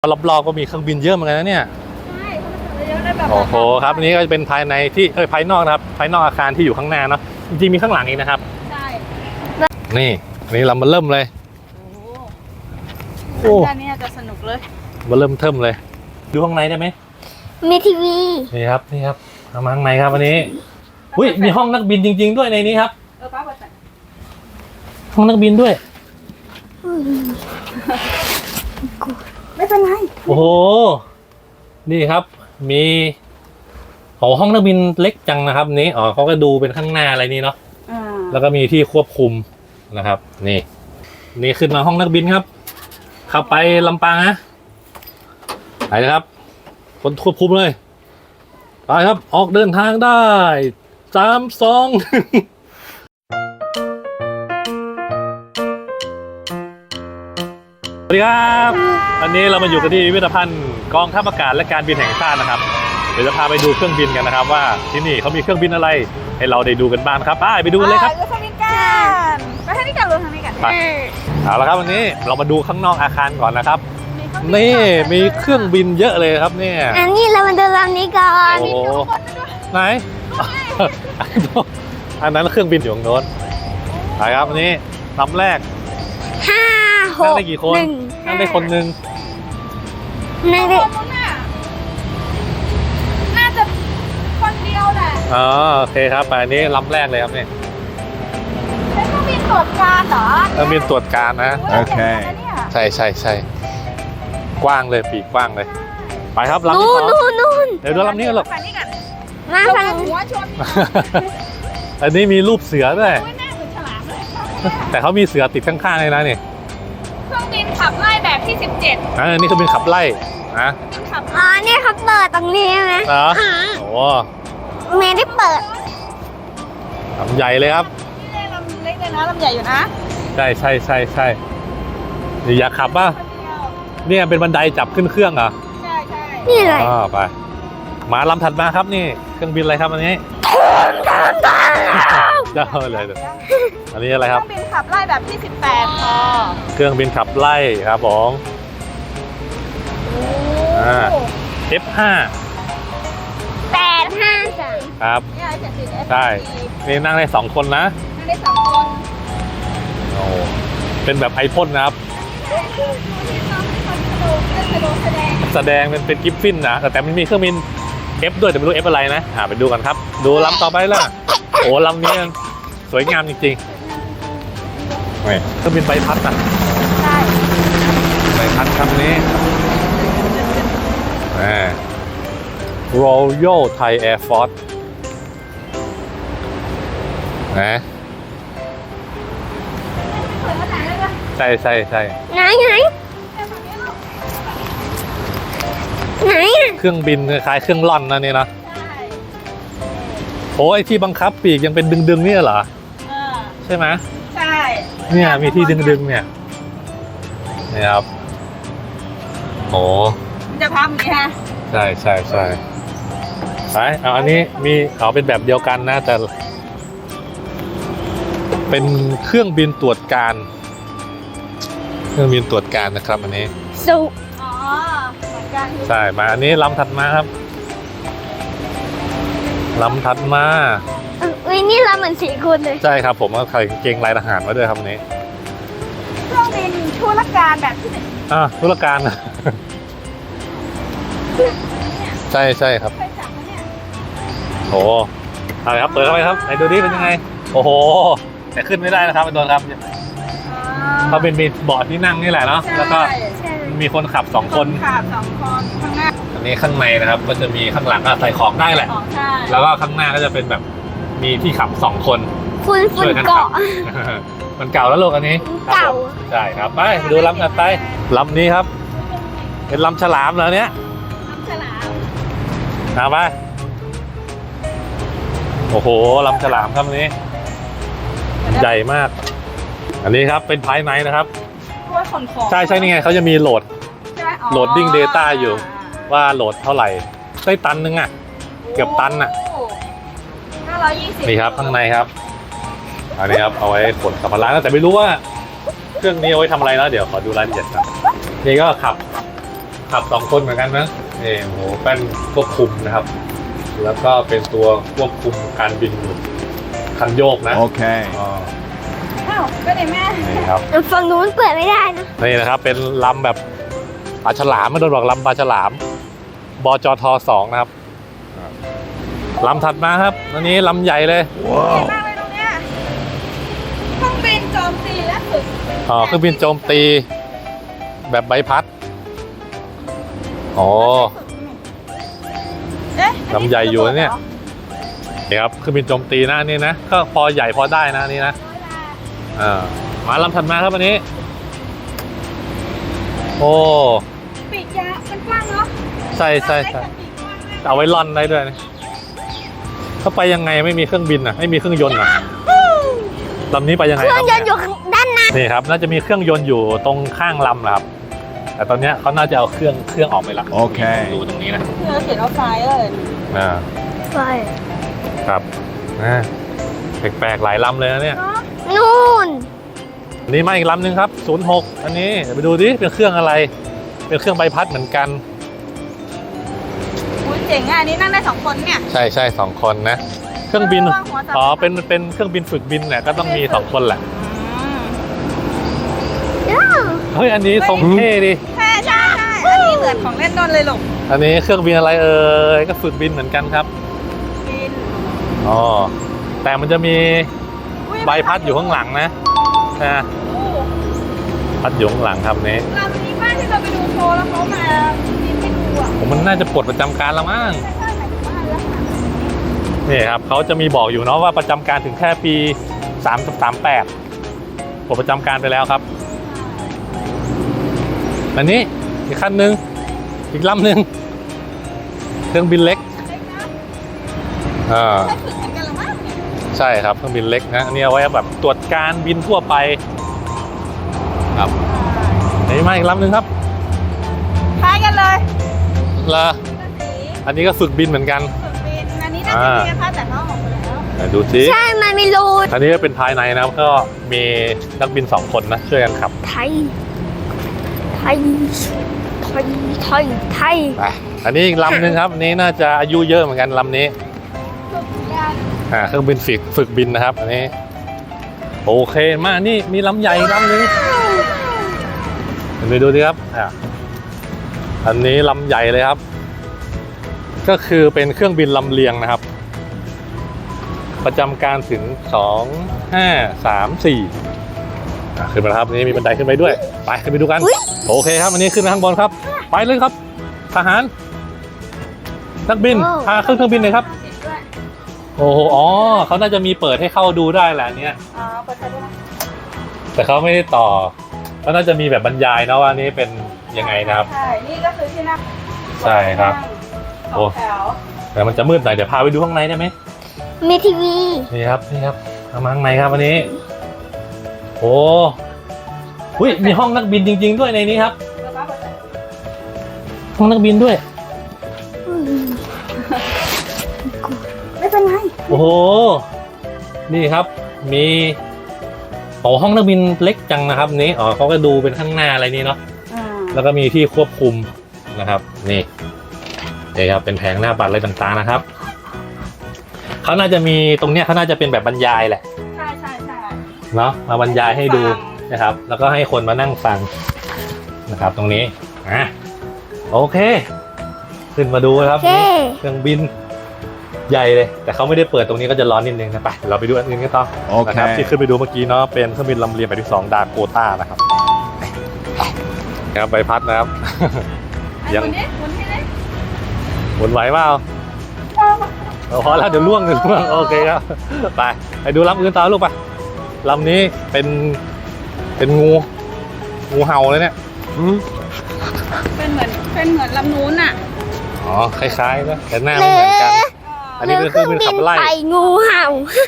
รอบๆก็มีเครื่องบินเยอะเหมือนกันนะเนี่ยใช่เขาเยอะได้แบบโอ้โหครับอันนี้ก็จะเป็นภายในที่ภายนอกนะครับภายนอกอาคารที่อยู่ข้างหน้าเนาะจริงๆมีข้างหลังอีกนะครับใช่นี่เรามาเริ่มเลยโอ้ด้านนี้จะสนุกเลยมาเริ่มเทิมเลยดูข้างในได้ไหมมีทีวีนี่ครับเอามาข้างในครับวันนี้อุ้ยมีห้องนักบินจริงๆด้วยในนี้ครับป้าเปิดใส่ห้องนักบินด้วยไม่เป็นไรโอ้โหนี่ครับมีห้องนักบินเล็กจังนะครับนี้เขาก็ดูเป็นข้างหน้าอะไรนี่เนาะแล้วก็มีที่ควบคุมนะครับนี่ขึ้นมาห้องนักบินครับขับไปลำปางนะไปนะครับคนควบคุมเลยไปครับออกเดินทางได้3 2สวัสดีครับวันนี้เรามาอยู่กันที่พิพิธภัณฑ์กองทัพอากาศและการบินแห่งชาตินะครับเดี๋ยวจะพาไปดูเครื่องบินกันนะครับว่าที่นี่เขามีเครื่องบินอะไรให้เราได้ดูกันบ้างครับไปดูกันเลยครับไปทางนี้กันไปทางนี้กันลงทางนี้กันเอาละครับวันนี้เรามาดูข้างนอกอาคารก่อนนะครับนี่มีเครื่องบินเยอะเลยครับเนี่ยอันนี้เรามาดูลำนี้ก่อนโอ้ไหนอันนั้นเครื่องบินอยู่ตรงโน้นไปครับวันนี้ลำแรก 5 6 นั่งได้กี่คนนั่งได้คนหนึ่งนั่งได้น่าจะคนเดียวแหละโอเคครับไปอันนี้ลำแรกเลยครับนี่เป็นเครื่องบินตรวจการเหรอเครื่องบินตรวจการนะโอเคใช่กว้างเลยปีกกว้างเลยไปครับลำที่สองเดี๋ยวดูลำนี้กันหรอกมาฟังหัวชนอันนี้มีรูปเสือด้วยแต่เขามีเสือติดข้างๆเลยนะนี่เครื่องบินขับไล่แบบที่17 อันนี้เครื่องบินขับไล่นะเนี่ยเขาเปิดตรงนี้ไหมโอ้ไม่ได้เปิดลำใหญ่เลยครับนี่ลำเล็กเลยนะลำใหญ่อยู่นะใช่อยากขับป่ะเนี่ยเป็นบันไดจับขึ้นเครื่องเหรอใช่นี่เลยไปมาลำถัดมาครับนี่เครื่องบินอะไรครับอันนี้เจ้าเลยอันนี้อะไรครับเครื่องบินขับไล่แบบที่18พอเครื่องบินขับไล่ครับผมF5 853 ครับใช่นี่นั่งได้2 คนนะนั่งได้2 คนโอ้เป็นแบบไอพ่นนะครับแสดงเป็นกิฟฟินนะแต่มันมีเครื่องบิน F ด้วยแต่ไม่รู้ F อะไรนะไปดูกันครับดูลำต่อไปล่ะโอ้ลำนี้สวยงามจริงๆเครื่องบินใบพัดนะใช่ใบพัดคำนี้Royal Thai Air Force ใช่ไหนเครื่องบินคล้ายเครื่องล่อนนะนี่นะโอ้ไอที่บังคับปีกยังเป็นดึงๆนี่เหรอใช่ไหมใช่เนี่ยมีที่ดึงๆเนี่ยนี่ครับโอ้จะพับอย่างนี้ฮะใช่ไปอันนี้มีเป็นแบบเดียวกันนะแต่เป็นเครื่องบินตรวจการนะครับอันนี้ใช่มาอันนี้ลำถัดมาครับลำถัดมานี่ลำเหมือน4 คนเลยใช่ครับผมก็ใส่เกงลายทหารมาด้วยครับนี้เครื่องบินธุรการแบบที่ธุรการใช่ครับโอ้อะไรครับเปิดเข้าไปครับไหนดูดิเป็นยังไงโอ้โหแต่ขึ้นไม่ได้นะครับโดนครับเขาเป็นมีเบาะที่นั่งนี่แหละเนาะแล้วก็มีคนขับ2 คนข้างหน้าอันนี้ข้างในนะครับก็จะมีข้างหลังก็ใส่ของได้แหละแล้วก็ข้างหน้าก็จะเป็นแบบมีที่ขับ2 คนฝุ่นเกาะมันเก่าแล้วโลกอันนี้เก่าใช่ครับไปดูลำถัดไปลำนี้ครับเป็นลำฉลามเหรอเนี้ยลำฉลามไปโอ้โหลำฉลามครับอันนี้ใหญ่มากอันนี้ครับเป็นภายในนะครับใช่นี่ไงเขาจะมีโหลดดิ้ง Data อยู่ว่าโหลดเท่าไหร่ได้ตันนึงเกือบตัน 520 นี่ครับข้างในครับอันนี้ครับเอาไว้ขนสัมภาระนะแต่ไม่รู้ว่าเครื่องนี้เอาไว้ทำอะไรนะเดี๋ยวขอดูรายละเอียดครับนี่ก็ขับขับ2 คนเหมือนกันนะนี่โอ้โหแป้นควบคุมนะครับ แล้วก็เป็นตัวควบคุมการบินคันโยกนะ Okay. อ๋ออ้าวก็ได้แม่นี่ครับฝั่งนู้นเปิดไม่ได้นะนี่นะครับเป็นลำแบบปลาฉลามไม่โดนบอกลำปลาฉลามบจท2นะครับลำถัดมาครับอันนี้ลำใหญ่เลยเก่งมากเลยตรงเนี้ยเครื่องบินโจมตีและฝึกอ๋อเครื่องบินโจมตีแบบใบพัดอ๋อเอ๊ะลำใหญ่อยู่นะเนี่ย นี่ครับเครื่องบินโจมตีนะอันนี่นะก็พอใหญ่พอได้นะอันนี่นะมาลำถัดมาครับอันนี้ โอ้ปีกยาวมันกว้างเนาะใช่ใช่ใช่เอาไว้ล่อนได้ด้วยนะเข้าไปยังไงไม่มีเครื่องบินอ่ะไม่มีเครื่องยนต์อ่ะลำนี้ไปยังไงเคครื่รัอบ งยนต์อยู่ด้านหน้านี่ครับน่าจะมีเครื่องยนต์อยู่ตรงข้างลำนะครับ แต่ตอนเนี้ยเขาน่าจะเอาเครื่องออกไปละโอเคดูตรงนี้นะเธอเขียนเอาซ้ายเลยอ่าไฟครับแปลกๆหลายลำเลยนะเนี่ยเนาะนู่นอันนี้มาอีกลำหนึ่งครับ06อันนี้เดี๋ยวไปดูดิเป็นเครื่องอะไร เป็นเครื่องใบพัดเหมือนกันอุ้ยเจ๋งอ่ะอันนี้นั่งได้2 คนเนี่ยใช่ใช่2 คนนะ เครื่องบินระวังหัวสับอ๋อเป็นเครื่องบินฝึกบินเนี่ยก็ต้องมี2 คนแหละ เฮ้ยอันนี้ทรงเท่ดิใช่ใช่ใช่อันนี้เหมือนของเล่นนนเลยลูกอันนี้เครื่องบินอะไรเอ่ยก็ฝึกบินเหมือนกันครับบินอ๋อแต่มันจะมีใบพัดอยู่ข้างหลังนะโอ้พัดอยู่ข้างหลังครับนี้ลำนี้บ้านที่เราไปดูโชว์แล้วเขามาบินให้ดูอ่ะผมมันน่าจะปลดประจำการแล้วมั้งใช่ใช่หมายถึงว่าแล้วค่ะนี่ครับเขาจะมีบอกอยู่เนาะว่าประจำการถึงแค่ปี38ปลดประจำการไปแล้วครับ อันนี้อีกคันหนึ่งอีกลำหนึ่งเครื่องบินเล็กเล็กนะอ่าใช้ฝึกเหมือนกันเหรือมั้งเนี่ยใช่ครับเครื่องบินเล็กนะอันนี้เอาไว้แบบตรวจการบินทั่วไปครับอันนี้มาอีกลำหนึ่งครับคล้ายกันเลยละสีอันนี้ก็ฝึกบินเหมือนกันฝึกบินอันนี้น่าจะมีนะคะแต่เขาออกไปแล้วไหนดูสิใช่มันมีรูอันนี้ก็เป็นภายในนะครับก็มีนักบิน2 คนนะช่วยกันขับไทย ไทย ไทย ไทย ไทยไปอันนี้อีกลำหนึ่งครับอันนี้น่าจะอายุเยอะเหมือนกันลำนี้ฝึกกันเครื่องบินฝึกบินนะครับอันนี้โอเคมานี่มีลำใหญ่อีกลำหนึ่งไปดูดิครับอันนี้ลำใหญ่เลยครับ ก็คือเป็นเครื่องบินลำเลียงนะครับ ประจำการถึง2 5 3 4ขึ้นมาแล้วครับนี่มีบันไดขึ้นไปด้วยไปขึ้นไปดูกันโอเคครับอันนี้ขึ้นไปข้างบนครับไปเลยครับทหารนักบินพาขึ้นเครื่องบินเลยครับติดด้วยโอ้โหอ๋อเขาน่าจะมีเปิดให้เข้าดูได้แหละเนี่ยอ๋อเปิดใช้ด้วยนะแต่เขาไม่ได้ต่อก็น่าจะมีแบบบรรยายนะว่านี่เป็นยังไงนะครับใช่นี่ก็คือที่นั่งใช่ครับสองแถวแต่มันจะมืดหน่อยเดี๋ยวพาไปดูข้างในได้ไหมมีทีวีนี่ครับเอามาข้างในครับวันนี้โอ้หุ้ยมีห้องนักบินจริง ๆ ด้วยในนี้ครับแล้วก็เปิดใช้ห้องนักบินด้วยไม่เป็นไรโอ้โหนี่ครับมีห้องนักบินเล็กจังนะครับนี้อ๋อเขาก็ดูเป็นข้างหน้าอะไรนี่เนาะ แล้วก็มีที่ควบคุมนะครับนี่ครับเป็นแผงหน้าบัตรอะไรต่างๆนะครับเขาน่าจะมีตรงเนี้ยเขาน่าจะเป็นแบบบรรยายแหละใช่ใช่ใช่เนาะมาบรรยายให้ดูนะครับ แล้วก็ให้คนมานั่งฟังนะครับ ตรงนี้โอเค ขึ้นมาดูนะครับเท่นี่เครื่องบินใหญ่เลย แต่เขาไม่ได้เปิดตรงนี้ก็จะร้อนนิดนึงนะไปเราไปดูอันอื่นกันต่อโอเคนะครับที่ขึ้นไปดูเมื่อกี้เนาะเป็นเครื่องบินลำเลียงแบบที่2ดาโกต้านะครับครับใบพัดนะครับยัยังงคนที่เล็กหมุนไหวเปล่าพอแล้วเดี๋ยวล่วงโอเคครับไปดูลำอื่นต่อลูกไปลำนี้เป็นงูเห่าเลยเนี่ยเป็นเหมือนลำนู้นอ่ะอ๋อคล้ายๆนะแต่หน้าไม่เหมือนกัน อันนี้เป็นเครื่องบินขับไล่ไปงูเห่า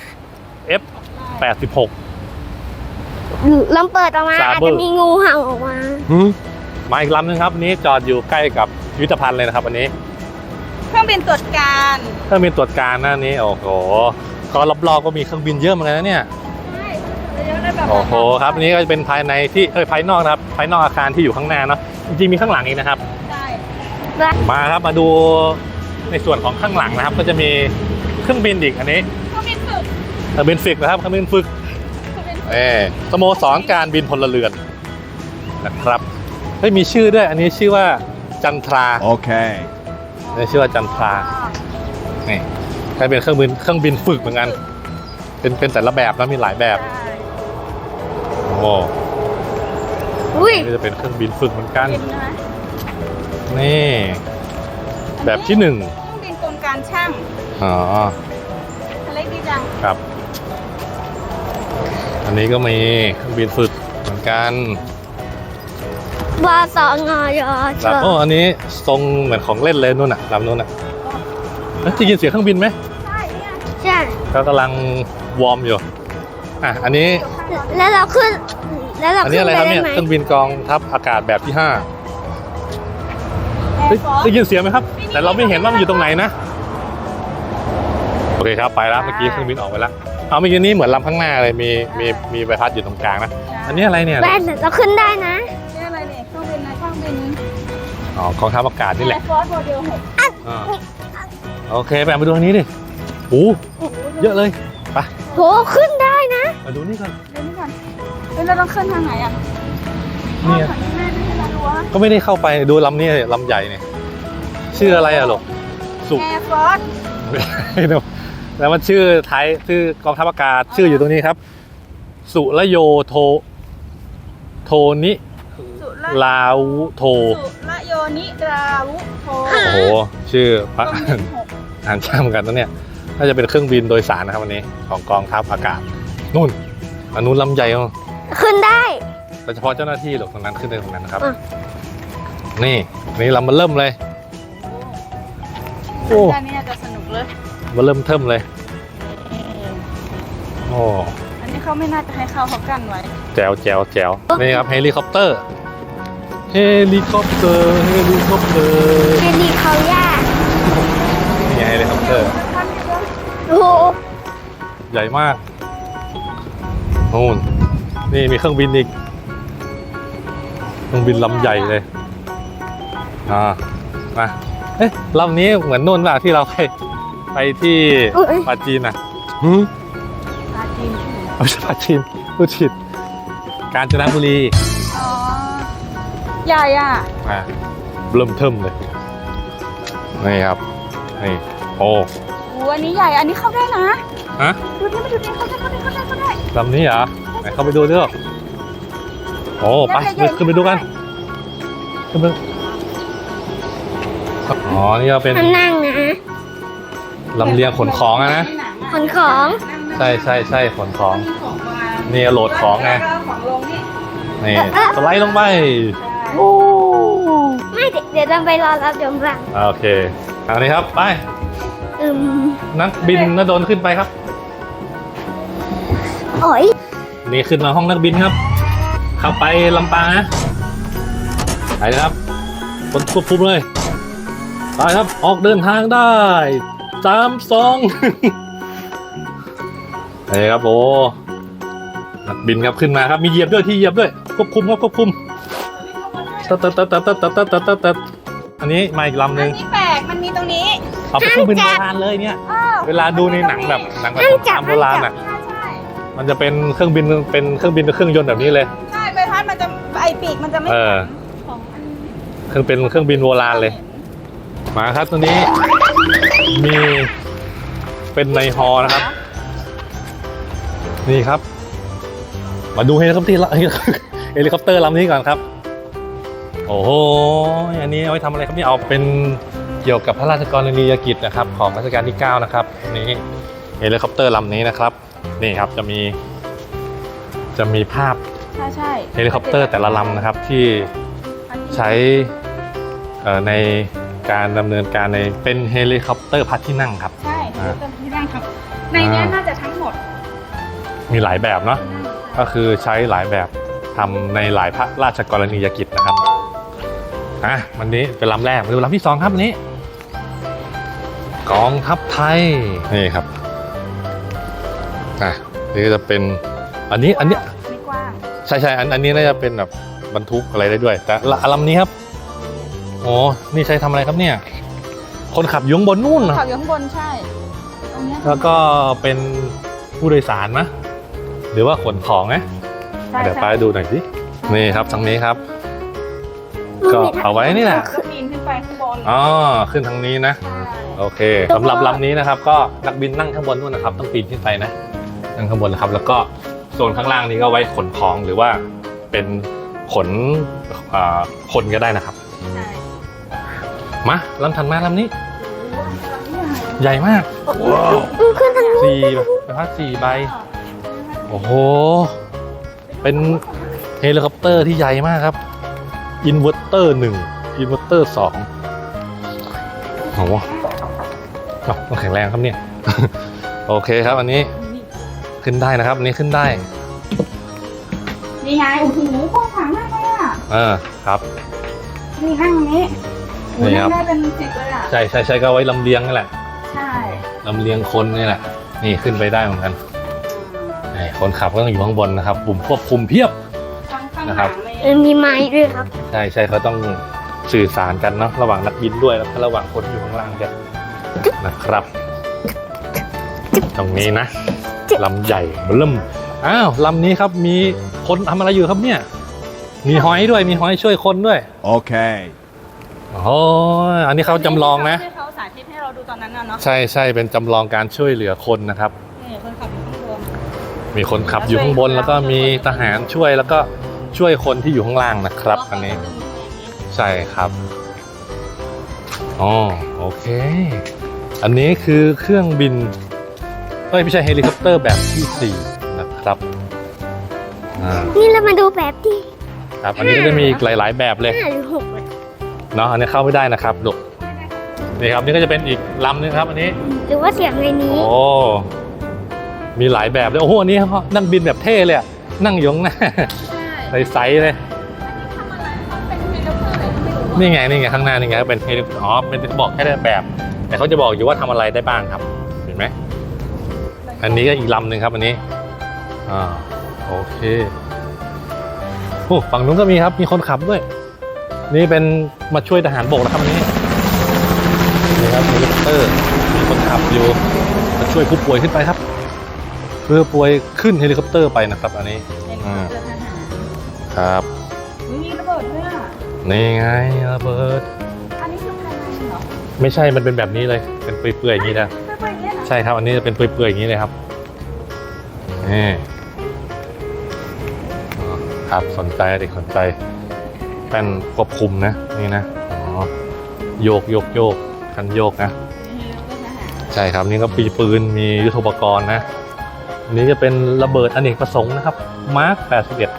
F86 ลองเปิดออกมา Saber อาจจะมีงูเห่าออกมามาอีกลำนึงครับอันนี้จอดอยู่ใกล้กับพิพิธภัณฑ์เลยนะครับอันนี้เครื่องบินตรวจการเครื่องบินตรวจการหน้านี้โอ้โหก็รอบๆก็มีเครื่องบินเยอะเหมือนกันนะเนี่ยใช่เยอะได้แบบโอ้โหครับอันนี้ก็จะเป็นภายในที่ภายนอกนะครับภายนอกอาคารที่อยู่ข้างหน้าเนาะจริงๆมีข้างหลังอีกนะครับใช่มาครับมาดูในส่วนของข้างหลังนะครับ ก็จะมีเครื่องบินอีกอันนี้เขาเป็นฝึกเครื่องบินฝึกนะครับเครื่องบินฝึกสโมสรการบินพลเรือนนะครับเฮ้ยมีชื่อด้วยอันนี้ชื่อว่าจันทรา Okay. นี่ชื่อว่าจันทรานี่ใช้เป็นเครื่องบินฝึกเหมือนกันเป็นแต่ละแบบนะมีหลายแบบโอ้อุ้ยนี่จะเป็นเครื่องบินฝึกเหมือนกันเป็นนะนี่แบบที่หนึ่งเครื่องบินกลการช่างอ๋ออะไรดีจังครับ อันนี้ก็มีเครื่องบินฝึกเหมือนกันบาสองอยเชโอ้อันนี้ทรงเหมือนของเล่นเลยนู่นน่ะลำนู่นน่ะจะยินเสียงเครื่องบินไหมใช่เนี่ยใช่เขากำลังวอร์มอยู่อันนี้แล้วเราขึ้น แล้วเราอันขึ้นี้นอะไรไปครับได้เนี่ยไหมเครื่องบินกองทัพอากาศแบบที่5 แอเฮ้ยร์ฟอร์ได้ยินเสียงไหมครับ แต่เราไม่เห็นว่ามันอยู่ตรงไหนนะโอเคครับไปแล้วเมื่อกี้เครื่องบินออกไปแล้วเอาเมื่อกี้นี้เหมือนลำข้างหน้าเลยมีใบพัดอยู่ตรงกลางนะอันนี้อะไรเนี่ยแว่นเราขึ้นได้นะนี่อะไรเนี่ยเครื่องบินนะเครื่องบินอ๋อกองทัพอากาศนี่แหละแอร์ฟอร์สโมเดล 6 อ่าโอเคไปดูทางนี้ดิโอ้เยอะเลยไปโหขึ้นได้นะมาดูนี่ก่อนเดี๋ยวนี้ก่อนเฮ้ยเราต้องขึ้นทางไหนอ่ะนี่ทางนี้แม่ไม่ใช่รั้วก็ไม่ได้เข้าไปดูลำนี้ลำใหญ่เนี่ยชื่ออะไรอะลูกสุแอร์ฟอร์สแล้วมันชื่อไทยชื่อกองทัพอากาศชื่ออยู่ตรงนี้ครับ สุรโยโทนิสุระลาวุโทสุระโยนิราวุโทโอ้โหชื่อพระเครื่องบิน6 อ่านช่างกันนะเนี่ยน่าจะเป็นเครื่องบินโดยสารนะครับวันนี้ของกองทัพอากาศนู่นอันนู้นลำใหญ่อ่ะขึ้นได้โดยเฉพาะเจ้าหน้าที่หรอกตรงนั้นขึ้นได้ตรงนั้นนะครับอ่ะนี่ลำมันเริ่มเลย โอ้ด้านนี้จะสนุกเลยมันเริ่มเทิมเลยโอ้อันนี้เขาไม่น่าจะให้เข้าเขากั้นไว้แจ๋วนี่ครับเฮลิคอปเตอร์เฮลิคอปเตอร์เฮลิคอปย่านี่ไงเฮลิคอปเตอร์โอ้โหใหญ่มากนู่นนี่มีเครื่องบินอีกเครื่องบินลำใหญ่เลยมาเอ๊ะลำนี้เหมือนนู่นป่ะที่เราไปที่ปาจีนอ่ะปลาจีนที่ไหนไม่ใช่ปาจีนพูดผิดกาญจนบุรีอ๋อ ใหญ่อ่ะเริ่มเทิมเลยนี่ครับนี่โอ้โอ้อันนี้ใหญ่ อันนี้เข้าได้นะฮะดูดิมาดูดิเข้าได้ลำนี้เหรอไหนเข้าไปดูด้วยโอ้ไปขึ้นไปดูกันขึ้นไปอ๋อนี่ก็เป็นมันนั่งนะลำเลียงขนของอะนะขนของใช่ขนของมีของมานี่โหลดของไงแล้วก็ของลงนี่นี่สไลด์ลงไปโอ้ไม่เดี๋ยวเราไปรอรับยมรังโอเคเอานี้ครับไปอืมนักบินนดลขึ้นไปครับโอ้ยนี่ขึ้นมาห้องนักบินครับ เข้าไปลำปางนะไปเลยครับคนควบคุมเลยไปครับออกเดินทางได้3 2 นี่ครับโอ้นักบินครับขึ้นมาครับมีเหยียบด้วยที่เหยียบด้วยควบคุมครับควบคุมตัดอันนี้มาอีกลำหอันึ่นงนี้แปลก มันมีตรงนี้เอาไปเครื่องบินโบราณเลยเนี่ยอ้าวเวลาดูในหนังแบบสงครามโบราณอ่ะใช่มันจะเป็นเครื่องบินเครื่องยนต์แบบนี้เลยใช่ใบพัดมันจะไอปีกมันจะไม่เออของอันเครื่องบินโบราณเลย มาครับตัวนี้มีเป็นในฮอนะครับ นี่ครับ มาดูเฮลิคอปเตอร์เฮลิคอปเตอร์ลำนี้ก่อนครับ โอ้โหอันนี้เอาไว้ทำอะไรครับนี่เอาเป็นเกี่ยวกับพระราชกรณียกิจนะครับ ของรัชกาลที่ 9 นะครับนี่เฮลิคอปเตอร์ลำนี้นะครับ นี่ครับจะมีภาพใช่เฮลิคอปเตอร์แต่ละลำนะครับที่ใช้ในการดำเนินการเป็นเฮลิคอปเตอร์พัดที่นั่งครับใช่เป็นที่นั่งครับในเนี้ยน่าจะทั้งหมดมีหลายแบบเนาะก็คือใช้หลายแบบทำในหลายพระราชกรณียกิจนะครับวันนี้เป็นลำแรกมาดูลำที่ 2ครับวันนี้ กองทัพไทยนี่ครับนี่ก็จะเป็นอันนี้ไม่กว้างใช่อันนี้น่าจะเป็นแบบบรรทุกอะไรได้ด้วย แต่ลำนี้ครับโอ้นี่ใช้ทำอะไรครับเนี่ย คนขับอยู่ข้างบนนู่นเหรอขับอยู่ข้างบนใช่ตรงเนี้ยแล้วก็เป็นผู้โดยสารมะหรือว่าขนของนะใช่เดี๋ยวไปใช่ดูหน่อยสินี่ครับทางนี้ครับ ก็เอาไว้นี่แหละก็ปีนขึ้นไปข้างบนอ๋อขึ้นทางนี้นะใช่โอเคสำหรับลำนี้นะครับ ก็นักบินนั่งข้างบนนู่นนะครับ ต้องปีนขึ้นไปนะนั่งข้างบนนะครับ แล้วก็โซนข้างล่างนี้ก็ไว้ขนของหรือว่าเป็นขนคนก็ได้นะครับใช่มาลำถัดมาลำนี้ ใหญ่มากว้าวขึ้นทางนี้สี่ใบพัดสี่ใบโอ้โหเป็นเฮลิคอปเตอร์ที่ใหญ่มากครับอินเวอร์เตอร์1อินเวอร์เตอร์2โอ้โหต้องแข็งแรงครับเนี่ย โอเคครับอันนี้ขึ้นได้นะครับอันนี้ขึ้นได้นี่ไงโอ้โหกว้างขวางมากเลยอ่ะครับนี่นั่งตรงนี้โอ้โหนี่ครับนั่งได้เป็นสิบเลยอ่ะใช่ก็เอาไว้ลำเลียงนี่แหละใช่ลำเลียงคนนี่แหละนี่ขึ้นไปได้เหมือนกันนี่คนขับก็ต้องอยู่ข้างบนนะครับปุ่มควบคุมเพียบข้างๆนะครับหางเลยมีไม้ด้วยครับใช่เขาต้องสื่อสารกันเนาะระหว่างนักบินด้วยแล้วก็ระหว่างคนอยู่ข้างล่างกันนะครับ ตรงนี้นะลำใหญ่เริ่มอ้าวลำนี้ครับมีคนทำอะไรอยู่ครับเนี่ย มีหอยด้วยมีหอยช่วยคนด้วย Okay. โอ้ยอันนี้เขาจำลองนะที่เขาสาธิตให้เราดูตอนนั้นน่ะเนาะใช่เป็นจำลองการช่วยเหลือคนนะครับนี่คนขับอยู่ข้างบนมีคนขับอยู่ข้างบนแล้วก็มีทหารช่วยแล้วก็ช่วยคนที่อยู่ข้างล่างนะครับ อันนี้ใช่ครับอ๋อโอเค อันนี้คือเครื่องบินไม่ใช่เฮลิคอปเตอร์แบบที่4นะครับนี่เรามาดูแบบที่ครับอันนี้ก็จะมีอีกหลาย ๆ แบบเลย 5 หรือ 6เลยเนาะอันนี้เข้าไม่ได้นะครับลูกนี่ครับนี่ก็จะเป็นอีกลำนึงครับอันนี้หรือว่าเสียงในนี้โอ้มีหลายแบบเลยโอ้โหอันนี้นั่งบินแบบเท่เลยอะนั่งอยข้างหน้าใช่ใสๆเลยทำอะไรเขาเป็นเฮลิคอปเตอร์อะไรก็ไม่รู้นี่ไงข้างหน้านี่ไงเป็นเฮลิอ๋อเป็นบอกแค่แบบ แต่เขาจะบอกอยู่ว่าทำอะไรได้บ้างครับเห็นไหมอันนี้ก็อีกลำหนึ่งครับอันนี้โอเคโอ้ฝั่งนู้นก็มีครับมีคนขับด้วย นี่เป็นมาช่วยทหารบกนะครับอันนี้นี่ครับเฮลิคอปเตอร์มีคนขับอยู่มาช่วยผู้ป่วยขึ้นไปครับเพื่อป่วยขึ้นเฮลิคอปเตอร์ไปนะครับอันนี้เฮลิคอปเตอร์ทหารครับมีระเบิดด้วยอ่ะนี่ไงระเบิดอันนี้คือภายในเหรอไม่ใช่มันเป็นแบบนี้เลยเป็นเปื่อยๆอย่างนี้นะเปื่อยๆอย่างเงี้ยเหรอใช่ครับอันนี้จะเป็นเปื่อยๆอย่างนี้เลยครับนี่ครับสนใจเด็กสนใจแป้นควบคุมนะนี่นะโยกคันโยกนะเฮลิคอปเตอร์ทหารใช่ครับนี่ก็ปีปืนมียุทโธปกรณ์นะอันนี้จะเป็นระเบิดอเนกประสงค์นะครับมาร์ค 81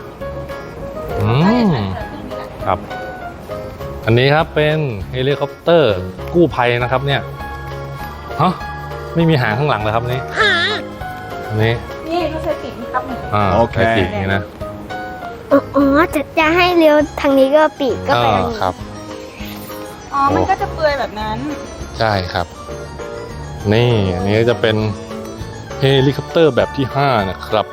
ครับอันนี้ครับเป็นเฮลิคอปเตอร์กู้ภัยนะครับเนี่ยฮะไม่มีหางข้างหลังเลยครับนี่อันนี้นี่ก็ใช้ปีกนี่ครับหนึ่งโอเคปีกนี่นะอ๋อจะให้เลี้ยวทางนี้ก็ปีกก็ไปทางนี้ครับอ๋อ มันก็จะเปื่อยแบบนั้นใช่ครับนี่อันนี้จะเป็นเฮลิคอปเตอร์แบบที่5นะครับ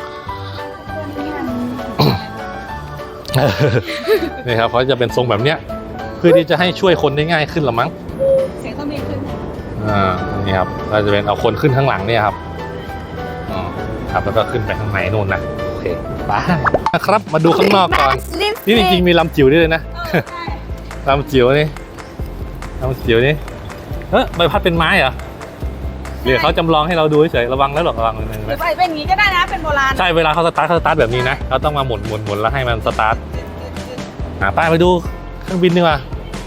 นี่ครับเขาจะเป็นทรงแบบเนี้ยเพื่อที่จะให้ช่วยคนได้ง่ายขึ้นละมั้งเสียงเครื่องบินขึ้นนี่ครับเราจะเป็นเอาคนขึ้นข้างหลังเนี่ยครับครับแล้วก็ขึ้นไปข้างในนู่นนะโอเคไปนะครับมาดูข้างนอกก่อนนี่จริงๆมีลำจิ๋วด้วยเลยนะใช่ลำจิ๋วนี่ใบพัดเป็นไม้เหรอหรือเขาจำลองให้เราดูเฉยระวังแล้วหรอกระวังนิดนึงหรือนะไปเป็นอย่างนี้ก็ได้นะ เป็นโบราณใช่เวลาเขาสตาร์ทแบบนี้นะเราต้องมาหมุนแล้วให้มันสตาร์ทป้ายไปดูเครื่องบินดีกว่า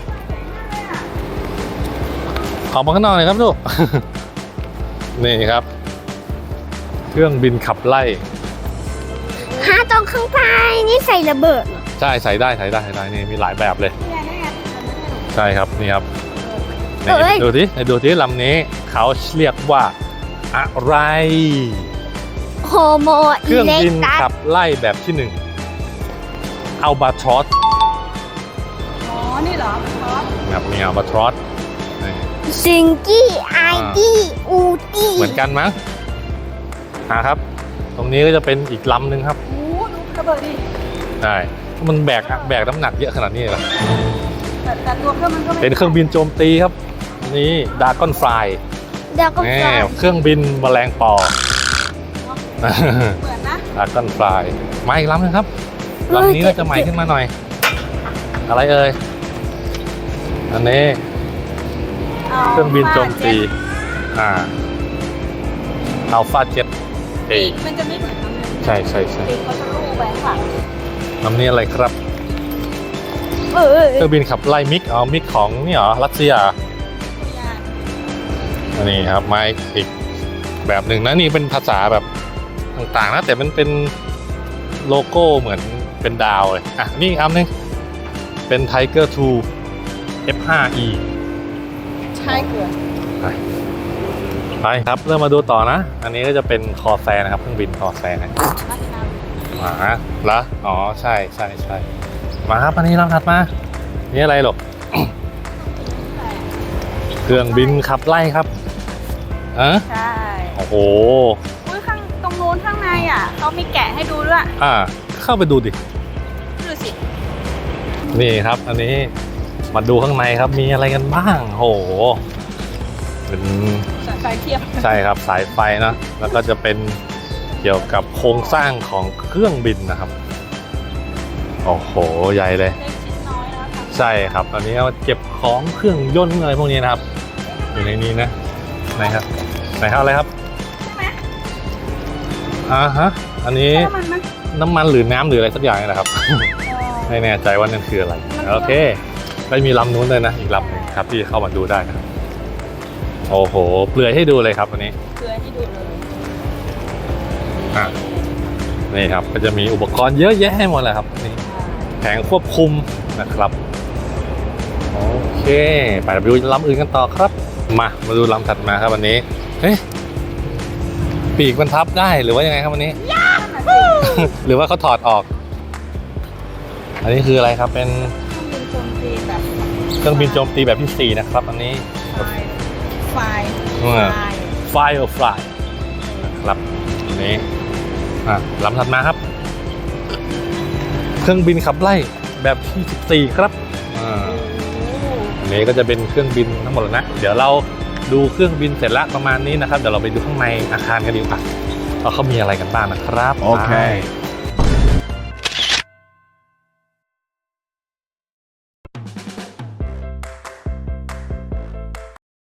ออกมาข้างนอกเลยครับลูก นี่ครับ เครื่องบินขับไล่หาตรงข้างใต้นี่ใส่ระเบิดเหรอใช่ใส่ได้นี่มีหลายแบบเลยนี่ไงใช่ครับนี่ครับนี่ดูที่ลำนี้เขาเรียกว่าอะไรโฮโมเคอิรื่องเล็กบินตัสขับไล่แบบที่1อัลบาทรอสอ๋อ นี่เหรอคอสครับนี่อัลบาทรอสซิงกี้ไอตี้อูตี้เหมือนกันมั้งครับ ตรงนี้ก็จะเป็นอีกลำหนึ่งครับโอ้ดูระเบิดดิใช่มันแบกน้ำหนักเยอะขนาดนี้เหรอแต่ตัวเครื่องมันก็ไม่เป็นเครื่องบินโจมตีครับนี่ดากอนไฟเดี๋ยวก็แหฟลายเครื่องบินแมลงปอเหมือนนะดากอนไฟมาอีกลำหนึงครับลำนี้น่าจะใหม่ขึ้นมาหน่อย อะไรเอ่ยอันนี้เครื่องบินโจมตีอัลฟาเจ็ตเอปีกมันจะไม่เหมือนลำนึงใช่ปีกเขาจะลูบไปข้างหลังลำนี้อะไรครับเออเครื่องบินขับไล่มิกมิกของนี่เหรอรัสเซีย อันนี้ครับมาอีกแบบหนึ่งนะนี่เป็นภาษาแบบต่างๆนะแต่มันเป็นโลโก้เหมือนเป็นดาวเลยอ่ะนี่อีกอันนึงเป็น Tiger 2 F5E ใช่เกลือไปครับเริ่มมาดูต่อนะ อันนี้ก็จะเป็นคอแซนะครับเครื่องบินคอแซมาละอ๋อใช่มาครับอันนี้ลำถัดมานี่อะไรหรอก เครื่องบินขับไล่ครับใช่โอ้โหอุ้ยข้างตรงนู้นข้างในอ่ะเขามีแกะให้ดูด้วยเข้าไปดูดิดูสินี่ครับ อันนี้มาดูข้างในครับมีอะไรกันบ้างโหเป็นสายไฟเทียบใช่ครับสายไฟนะแล้วก็จะเป็นเกี่ยวกับโครงสร้างของเครื่องบินนะครับโอ้โหใหญ่เลยเล็กชิ้นน้อยแล้วค่ะใช่ครับตอนนี้เอาเก็บของเครื่องยนต์อะไรพวกนี้นะครับ อยู่ในนี้นะไหนครับอะไรครับใช่ไหมฮะอันนี้ใช่มันมั้ยน้ำมันหรือน้ำหรืออะไรสักอย่างนี่แหละครับ ไม่แน่ใจว่านั่นคืออะไรโอเคก็มีลำนู้นเลยนะอีกลำหนึงครับที่เข้ามาดูได้นะครับโอ้โหเปลือยให้ดูเลยครับวันนี้เกลือให้ดูเลยนี่ครับก็จะมีอุปกรณ์เยอะแยะให้หมดเลยครับนี่แผงควบคุมนะครับโอเคไปดูลำอื่นกันต่อครับมาดูลำถัดมาครับวันนี้เฮ้ยปีกมันทับได้หรือว่ายังไงครับวันนี้ หรือว่าเขาถอดออก อันนี้คืออะไรครับเป็นเครื่องบินโจมตีแบบเครื่องบินโจมตีแบบที่4นะครับอันนี้ไฟ Fire or Fly นะครับอันนี้ลำถัดมาครับ เครื่องบินขับไล่แบบที่14ครับอันนี้ก็จะเป็นเครื่องบินทั้งหมดแล้วนะเดี๋ยวเราดูเครื่องบินเสร็จแล้วประมาณนี้นะครับเดี๋ยวเราไปดูข้างในอาคารกันดีกว่าว่าเขามีอะไรกันบ้างนะครับโอเคไป